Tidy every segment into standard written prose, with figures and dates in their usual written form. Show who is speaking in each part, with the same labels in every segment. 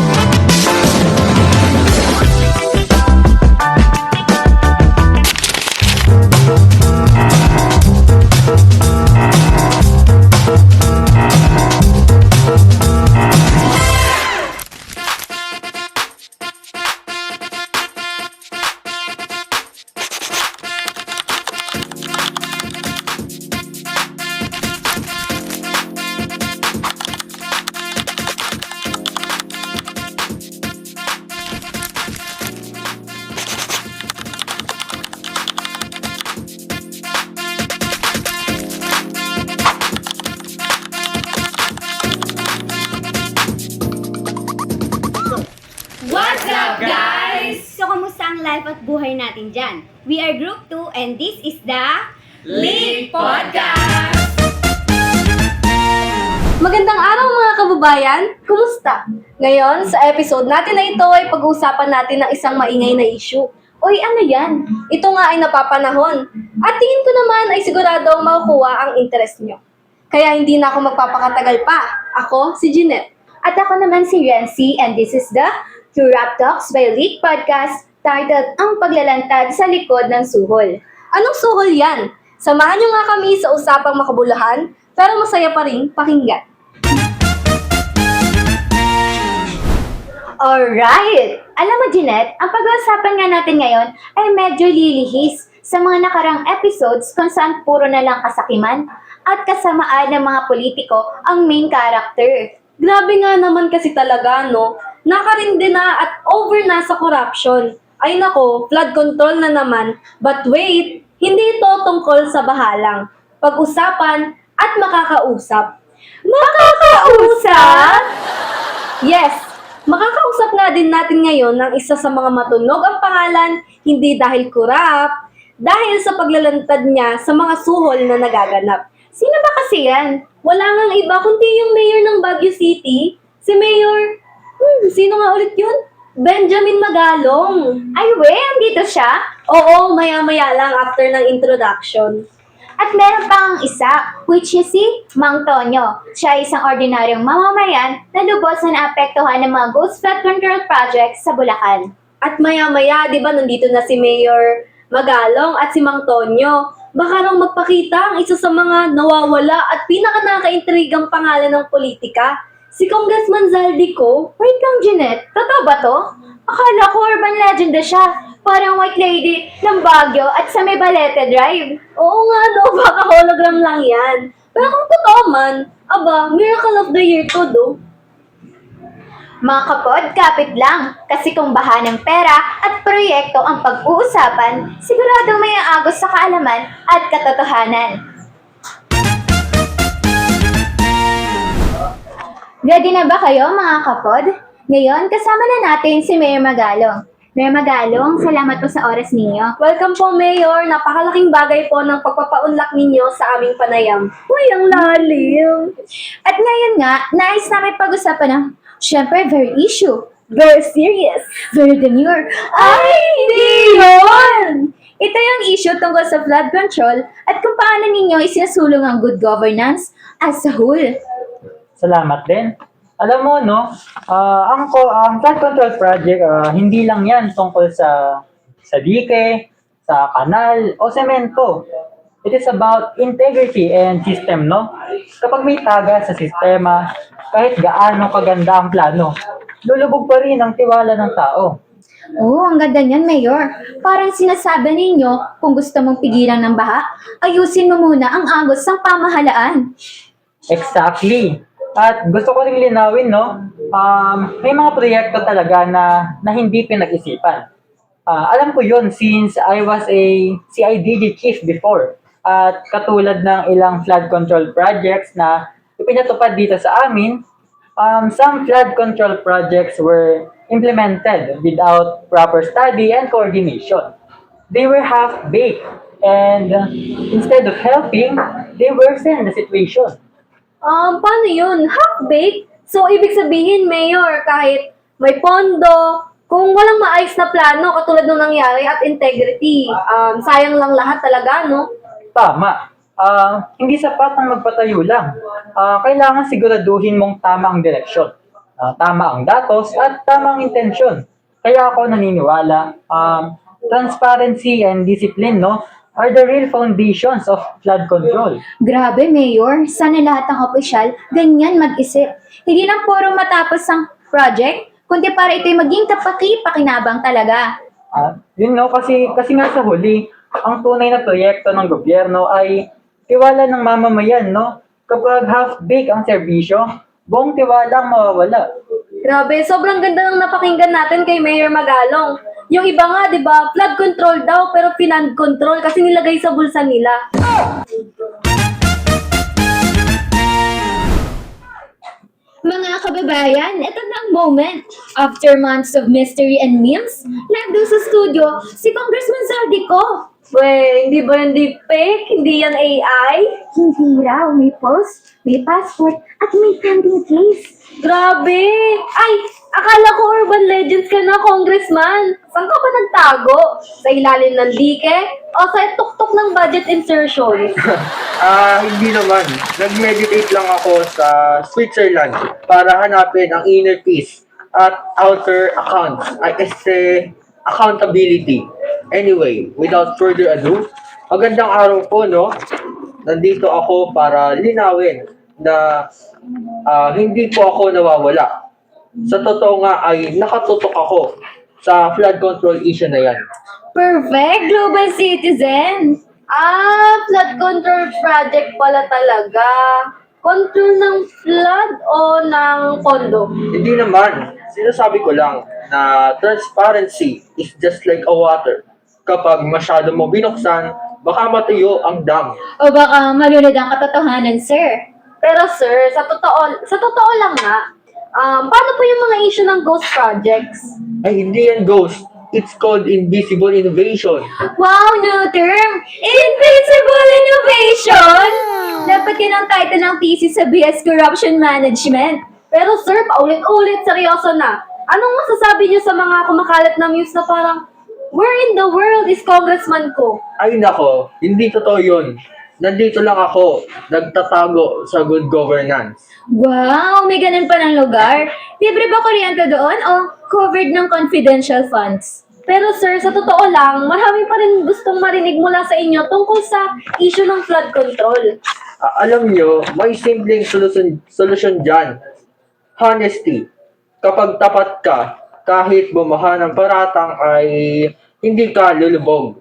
Speaker 1: What's up, guys? So, kamusta ang life at buhay natin dyan? We are Group 2 and this is the
Speaker 2: League Podcast!
Speaker 3: Magandang araw mga kababayan! Kumusta? Ngayon, sa episode natin na ito ay pag-uusapan natin ng isang maingay na issue. Uy, ano yan? Ito nga ay napapanahon. At tingin ko naman ay siguradong makukuha ang interest nyo. Kaya hindi na ako magpapakatagal pa. Ako, si Jeanette.
Speaker 1: At ako naman si Rency and this is the Rap Talks by League Podcast titled Ang Paglalantad sa Likod ng Suhol.
Speaker 3: Anong suhol yan? Samahan nyo nga kami sa usapang makabuluhan, pero masaya pa rin pakinggan.
Speaker 1: Alright! Alam mo, Jeanette, ang pag-uusapan nga natin ngayon ay medyo lilihis sa mga nakarang episodes kung saan puro na lang kasakiman at kasamaan ng mga politiko ang main character.
Speaker 3: Grabe nga naman kasi talaga, no? Nakarindi na at over na sa corruption. Ay nako, flood control na naman. But wait, hindi ito tungkol sa bahalang. Pag-usapan at makakausap. Makakausap? Yes, makakausap nga din natin ngayon ng isa sa mga matunog ang pangalan, hindi dahil kurap, dahil sa paglalantad niya sa mga suhol na nagaganap.
Speaker 1: Sino ba kasi yan?
Speaker 3: Wala ngang iba kundi yung mayor ng Baguio City, si Mayor... sino nga ulit yun? Benjamin Magalong.
Speaker 1: Ay, andito siya?
Speaker 3: Oo, maya-maya lang after ng introduction.
Speaker 1: At meron pang isa, which is si Mang Tonyo. Siya ay isang ordinaryong mamamayan na lubos na naapektuhan ng mga ghost flood control projects sa Bulacan.
Speaker 3: At maya-maya, di ba, nandito na si Mayor Magalong at si Mang Tonyo. Baka nang magpakita ang isa sa mga nawawala at pinaka-nakaka-intrigang pangalan ng politika, si Congressman Zaldico.
Speaker 1: Wait lang, Jeanette. Totoo ba to? Akala ko urban legend na siya. Parang white lady ng Baguio at sa may Balete Drive.
Speaker 3: Oo nga, no, baka hologram lang yan. Pero kung totoo man, aba, miracle of the year to, do.
Speaker 1: Mga kapod, kapit lang. Kasi kung baha ng pera at proyekto ang pag-uusapan, siguradong may aagos sa kaalaman at katotohanan. Ready na ba kayo mga kapod? Ngayon, kasama na natin si Mayor Magalong. Mayor Magalong, salamat po sa oras ninyo.
Speaker 3: Welcome po, Mayor. Napakalaking bagay po ng pagpapaunlak ninyo sa aming panayam. Uy, ang lalim.
Speaker 1: At ngayon nga, nais namin pag-usapan ng, syempre, very issue. Very serious. Very demure. Ay, hindi yun! Ito yung issue tungkol sa flood control at kung paano ninyo isinusulong ang good governance as a whole.
Speaker 2: Salamat din. Alam mo, no, ang flood control project, hindi lang yan tungkol sa dike, sa kanal, o semento. It is about integrity and system, no? Kapag may taga sa sistema, kahit gaano kaganda ang plano, lulubog pa rin ang tiwala ng tao.
Speaker 1: Oo, ang ganda niyan, Mayor. Parang sinasabi ninyo, kung gusto mong pigilan ng baha, ayusin mo muna ang agos ng pamahalaan.
Speaker 2: Exactly. At gusto ko ring linawin, no, may mga proyekto talaga na hindi pinag-isipan. Alam ko yun since I was a CIDG chief before. At katulad ng ilang flood control projects na ipinatupad dito sa amin, some flood control projects were implemented without proper study and coordination. They were half-baked and instead of helping, they worsened the situation.
Speaker 3: Paano yun? Half-baked? So, ibig sabihin, Mayor, kahit may pondo, kung walang maayos na plano, katulad nung nangyari at integrity, sayang lang lahat talaga, no?
Speaker 2: Tama. Hindi sapat ang magpatayo lang. Kailangan siguraduhin mong tama ang direksyon. tama ang datos at tama ang intensyon. Kaya ako naniniwala, transparency and discipline, no, are the real foundations of flood control.
Speaker 1: Grabe, Mayor. Sana lahat ng opisyal ganyan mag-isip. Hindi lang puro matapos ang project, kundi para ito'y maging kapaki-pakinabang talaga.
Speaker 2: Yun no, kasi nga sa huli, ang tunay na proyekto ng gobyerno ay tiwala ng mamamayan, no? Kapag half-baked ang serbisyo, buong tiwala ang mawawala.
Speaker 3: Grabe, sobrang ganda ng napakinggan natin kay Mayor Magalong. Yung iba nga, di ba, flood control daw, pero finand control kasi nilagay sa bulsa nila.
Speaker 1: Mga kababayan, ito na ang moment. After months of mystery and memes, live doon sa studio, si Congressman Zaldico.
Speaker 3: Weh, hindi ba yan deepfake? Hindi yan AI?
Speaker 1: Hindi raw, may post, may passport, at may pending case.
Speaker 3: Grabe! Ay, akala ko urban legends ka na, Congressman. Saan ka ba nagtago? Sa ilalim ng dike? O sa tuktok ng budget insertion?
Speaker 4: Hindi naman. Nag-meditate lang ako sa Switzerland para hanapin ang inner peace at outer accounts. I say accountability. Anyway, without further ado, magandang araw po, no? Nandito ako para linawin na hindi po ako nawawala. Sa totoo nga ay nakatutok ako sa flood control issue na yan.
Speaker 1: Perfect, global citizen.
Speaker 3: Flood control project pala talaga. Control ng flood o ng pondo?
Speaker 4: Hindi naman. Sinasabi ko lang na transparency is just like a water. Kapag masyado mo binuksan, baka matuyo ang dam.
Speaker 1: O baka malunod ang katotohanan, sir.
Speaker 3: Pero sir, sa totoo lang nga, paano po yung mga issue ng ghost projects?
Speaker 4: Ay, hindi yan ghost. It's called invisible innovation.
Speaker 1: Wow, new term! Invincible Innovation! Dapat yan ang title ng thesis sa BS Corruption Management.
Speaker 3: Pero sir, paulit-ulit, seryoso na. Anong masasabi niyo sa mga kumakalat na news na parang, where in the world is congressman ko?
Speaker 4: Ay nako, hindi totoo yun. Nandito lang ako, nagtatago sa good governance.
Speaker 1: Wow, may ganun pa ng lugar. Libre ba kuryente doon o covered ng confidential funds?
Speaker 3: Pero sir, sa totoo lang, marami pa rin gustong marinig mula sa inyo tungkol sa issue ng flood control.
Speaker 4: Alam nyo, may simpleng solusyon dyan. Honesty. Kapag tapat ka, kahit bumaha ng paratang ay hindi ka lulubog.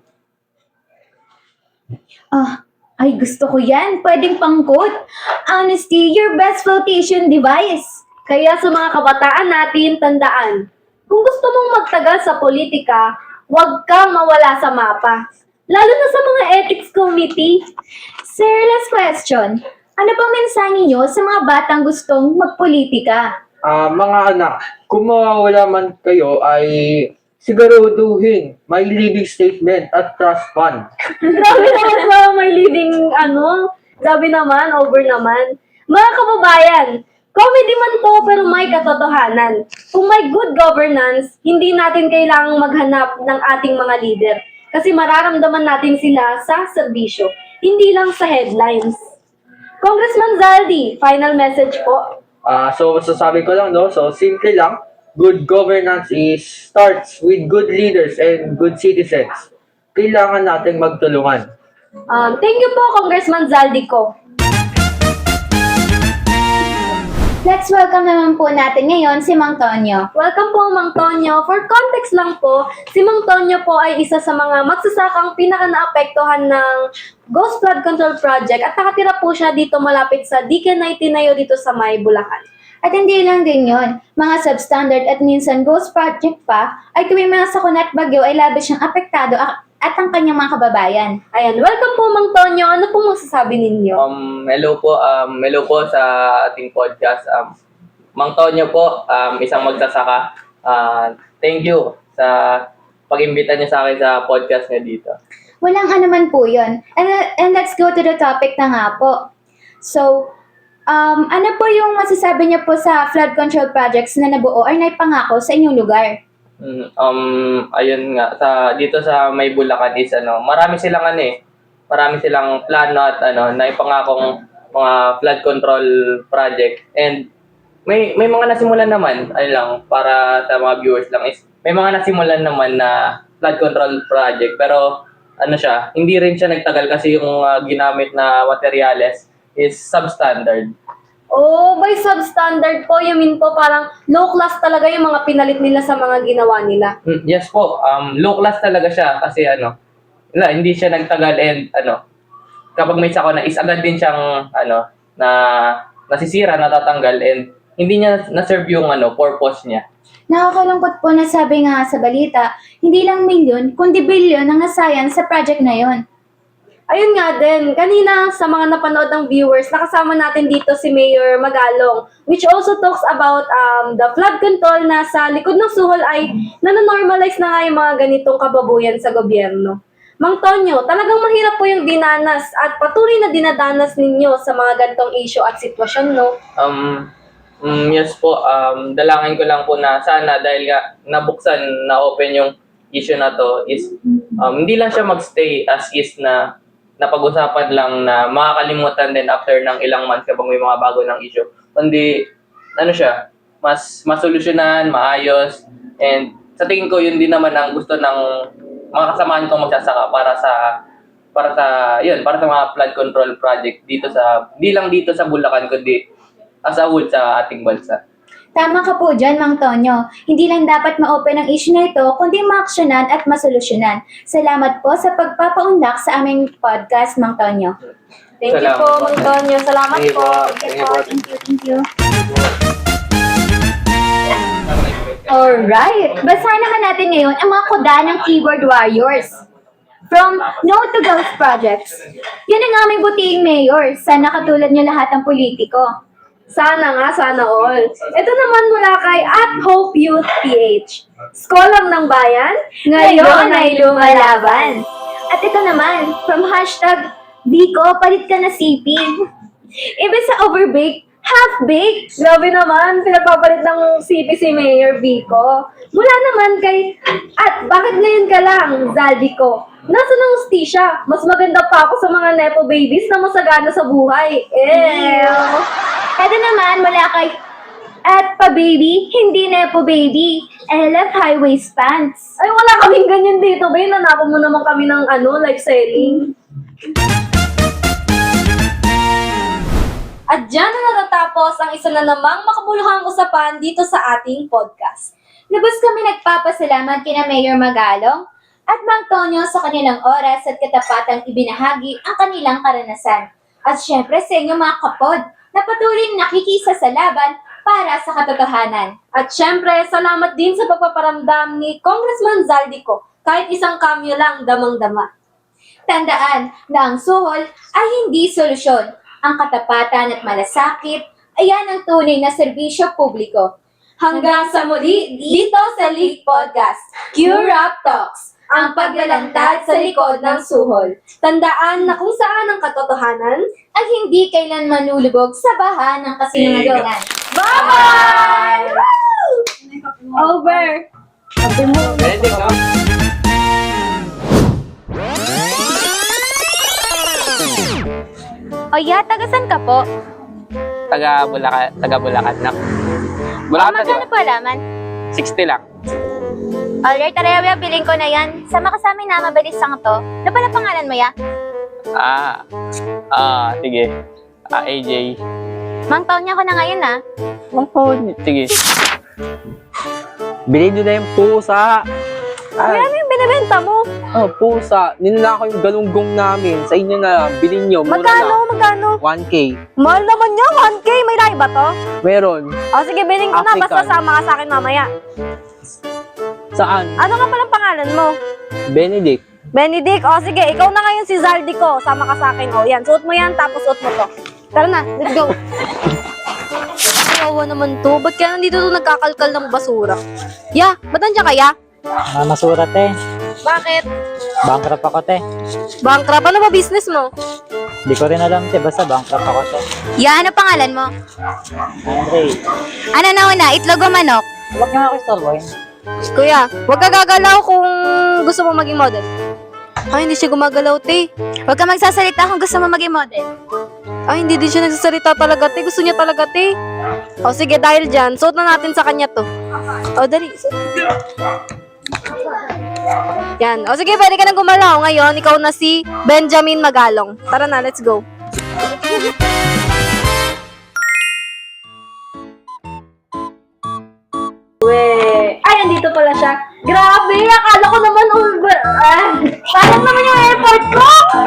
Speaker 1: Ay gusto ko yan. Pwedeng pang-quote. Honesty, your best flotation device.
Speaker 3: Kaya sa mga kabataan natin, tandaan, kung gusto mong magtagal sa politika, huwag kang mawala sa mapa. Lalo na sa mga ethics committee.
Speaker 1: Sir, last question. Ano bang mensahe niyo sa mga batang gustong magpolitika?
Speaker 4: Mga anak, kung mawawala man kayo ay siguraduhin may living statement at trust fund.
Speaker 3: Grabe naman sa may leading, grabe naman, over naman. Mga kababayan, comedy man to pero may katotohanan. Kung may good governance, hindi natin kailangang maghanap ng ating mga leader. Kasi mararamdaman natin sila sa serbisyo, hindi lang sa headlines. Congressman Zaldi, final message po.
Speaker 4: So, sasabi ko lang, no? So, simple lang. Good governance starts with good leaders and good citizens. Kailangan nating magtulungan.
Speaker 3: Thank you po, Congressman Zaldi ko.
Speaker 1: Let's welcome naman po natin ngayon si Mang Tonyo.
Speaker 3: Welcome po, Mang Tonyo. For context lang po, si Mang Tonyo po ay isa sa mga magsasakang pinaka-naapektuhan ng Ghost Flood Control Project at nakatira po siya dito malapit sa DK 99 dito sa May, Bulacan.
Speaker 1: At hindi lang din yon, mga substandard at minsan ghost project pa ay tuwing mga sakuna at bagyo ay labis siyang apektado at ang kanyang mga kababayan.
Speaker 3: Ayan, welcome po, Mang Tonyo. Ano pong masasabi ninyo?
Speaker 5: Hello po sa ating podcast. Mang Tonyo po, isang magsasaka. Thank you sa pag-imbita niyo sa akin sa podcast niyo dito.
Speaker 1: Walang anuman po yun. And let's go to the topic na nga po. So, ano po yung masasabi niyo po sa flood control projects na nabuo or naipangako sa inyong lugar?
Speaker 5: Ayun nga, dito sa May Bulacan is marami silang plano at naipangakong mga flood control project, and may mga nasimulan naman, ano lang, para sa mga viewers lang is, may mga nasimulan naman na flood control project, pero ano siya, hindi rin siya nagtagal kasi yung ginamit na materyales is substandard.
Speaker 3: Oh, by substandard po, you mean po parang low class talaga yung mga pinalit nila sa mga ginawa nila.
Speaker 5: Yes po, low class talaga siya kasi hindi siya nagtagal and kapag may sakuna is agad din siyang na nasisira, natatanggal and hindi niya na-serve yung purpose niya.
Speaker 1: Nakakalungkot po na sabi nga sa balita, hindi lang milyon, kundi bilyon ang nasayang sa project na yon.
Speaker 3: Ayun nga din, kanina sa mga napanood ng viewers, nakasama natin dito si Mayor Magalong, which also talks about the flood control na sa likod ng suhol ay nanonormalize na nga yung mga ganitong kababuyan sa gobyerno. Mang Tonyo, talagang mahirap po yung dinanas at patuloy na dinadanas ninyo sa mga ganitong issue at sitwasyon, no?
Speaker 5: Yes po, dalangin ko lang po na sana dahil nga nabuksan, na-open yung issue na to is hindi lang siya magstay as is na napag-usapan lang na makakalimutan din after ng ilang months kapag may mga bago ng issue. Kundi, mas masolusyonan, maayos, and sa tingin ko yun din naman ang gusto ng mga kasamahan kong magsasaka para sa mga flood control project di lang dito sa Bulacan kundi as a whole sa ating bansa.
Speaker 1: Tama ka po dyan, Mang Tonyo. Hindi lang dapat ma-open ang issue na ito, kundi ma-aksyonan at masolusyonan. Salamat po sa pagpapaunlak sa aming podcast, Mang Tonyo.
Speaker 3: Thank you
Speaker 5: Salamat
Speaker 3: po,
Speaker 5: po.
Speaker 3: Mang Tonyo. Salamat
Speaker 4: Thank you
Speaker 3: po.
Speaker 4: po.
Speaker 1: Thank you. Alright, basahin na natin ngayon ang mga kuda ng keyboard warriors. From No to Girls Projects. Yan ang aming butiing mayor. Sana katulad niyo lahat ng politiko.
Speaker 3: Sana nga, sana all. Ito naman mula kay @Hope Youth PH. Skolang ng bayan,
Speaker 1: Ngayon ay lumalaban. At ito naman, from #Vico, palit ka na CP. Iba sa overbake, half-baked.
Speaker 3: Grabe naman, pinagpapalit ng CP si Mayor Vico. Mula naman kay bakit ngayon ka lang, Zaldi ko. Nasa ng hustisya, mas maganda pa ako sa mga nepo babies na masagana sa buhay.
Speaker 1: Ito naman, mula kay @pababy, hindi nepo baby. LF high waist pants.
Speaker 3: Ay, wala kaming ganyan dito, ba? Nanako mo naman kami ng live selling. At dyan na natatapos ang isa na namang makabuluhang usapan dito sa ating podcast.
Speaker 1: Lubos kami nagpapasalamat kina Mayor Magalong at Mang Tonyo sa kanilang oras at katapatang ibinahagi ang kanilang karanasan. At syempre sa inyo mga kapod na patuloy nakikisa sa laban para sa katotohanan.
Speaker 3: At syempre, salamat din sa pagpaparamdam ni Congressman Zaldico. Kahit isang cameo lang, damang-dama.
Speaker 1: Tandaan na ang suhol ay hindi solusyon. Ang katapatan at malasakit, ayan ang tunay na serbisyo publiko.
Speaker 3: Hanggang sa muli, dito sa League Podcast, Q-Rap Talks, ang paglalantad sa likod ng suhol. Tandaan na kung saan ang katotohanan,
Speaker 1: Ay hindi kailan manulubog sa baha ng kasinungalingan.
Speaker 3: bye! Over!
Speaker 5: Benedict, no?
Speaker 1: O ya, tagasan ka po?
Speaker 5: Taga Bulacan na. Bulacan pa, di
Speaker 1: Magkano
Speaker 5: ba?
Speaker 1: po alaman?
Speaker 5: 60 lang.
Speaker 1: Alright, tara, bilhin ko na yan. Sama ka sa amin na, mabilis lang to. Ano pala pangalan mo ya?
Speaker 5: Sige. AJ.
Speaker 1: Mang taon niya ko na ngayon ah.
Speaker 5: Sige.
Speaker 6: Bilhin nyo na yung pusa.
Speaker 3: Ano yung binibenta mo?
Speaker 6: Pusa. Ninala ko yung galunggong namin. Sa inyo na lang. Bilhin nyo. Mura
Speaker 3: Magkano?
Speaker 6: na. 1K.
Speaker 3: Mahal naman niya, 1K. May lahi ba to?
Speaker 6: Meron.
Speaker 3: O sige, bilhin ko na. Basta
Speaker 6: African.
Speaker 3: sama ka sa akin mamaya.
Speaker 6: Saan?
Speaker 3: Ano nga palang pangalan mo?
Speaker 6: Benedict.
Speaker 3: Benedict, o sige, ikaw na ngayon si Zaldi ko. Sama ka sa akin. O yan, suot mo yan, tapos suot mo to. Tara na, let's go. Kawawa naman to. Ba't kaya nandito to nagkakalkal ng basura? Ya, ba't nandiyan kaya?
Speaker 7: Masura te.
Speaker 3: Bakit?
Speaker 7: Bankrupt ako te.
Speaker 3: Bankrupt, ano ba business mo?
Speaker 7: Di ko rin alam te, basta bankrupt ako te.
Speaker 1: Ya, ano pangalan mo?
Speaker 7: Andre,
Speaker 1: Ano na una, itlog o manok?
Speaker 7: huwag nga ako istorbohin.
Speaker 3: Kuya, huwag ka gagalaw kung gusto mo maging model. Ay, hindi siya gumagalaw, te.
Speaker 1: Huwag ka magsasalita kung gusto mo maging model.
Speaker 3: Ay, hindi din siya nagsasalita talaga, te. Gusto niya talaga, te. O sige, dahil dyan, suot na natin sa kanya to. O, dali. Suot. Yan. O sige, pwede ka nang gumalaw. Ngayon, ikaw na si Benjamin Magalong. Tara na, let's go.
Speaker 1: Ay, andito pala siya. Grabe, akala ko naman sayang naman yung airport ko!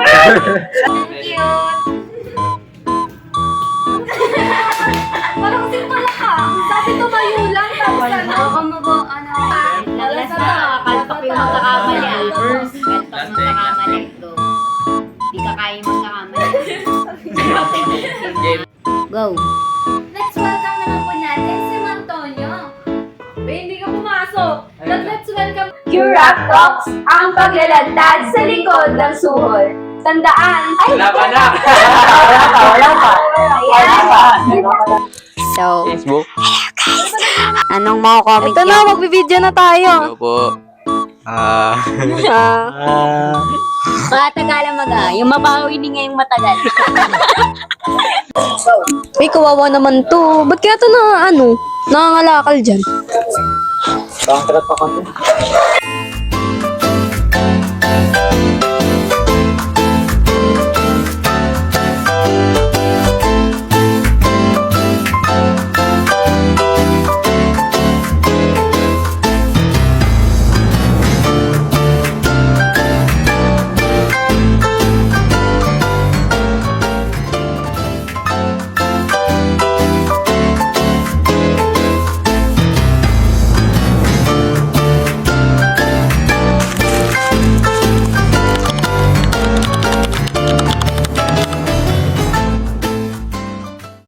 Speaker 3: Parang simple ka. Sabi tumayo lang, tapos ano? Oo,
Speaker 8: Last na, kalpak yung magkakamali. Kalpak magkakamali. Go. Di ka kaya magkakamali. Go.
Speaker 1: Let's welcome naman po natin si Antonio.
Speaker 3: Hindi ka pumasok. Let's welcome.
Speaker 1: Curap Talks, ang paglalantad sa likod ng suhol. Tandaan, ay,
Speaker 5: Wala pa na!
Speaker 8: So,
Speaker 6: Facebook?
Speaker 8: anong mga comment
Speaker 3: Ito na, magbibideo na tayo.
Speaker 6: po.
Speaker 3: Ah,
Speaker 8: Matagalan yung mabawi din ngayong matagal.
Speaker 3: Uy, kawawa naman to. Ba't kaya to na, nangangalakal dyan?
Speaker 7: Bankrupt ako te.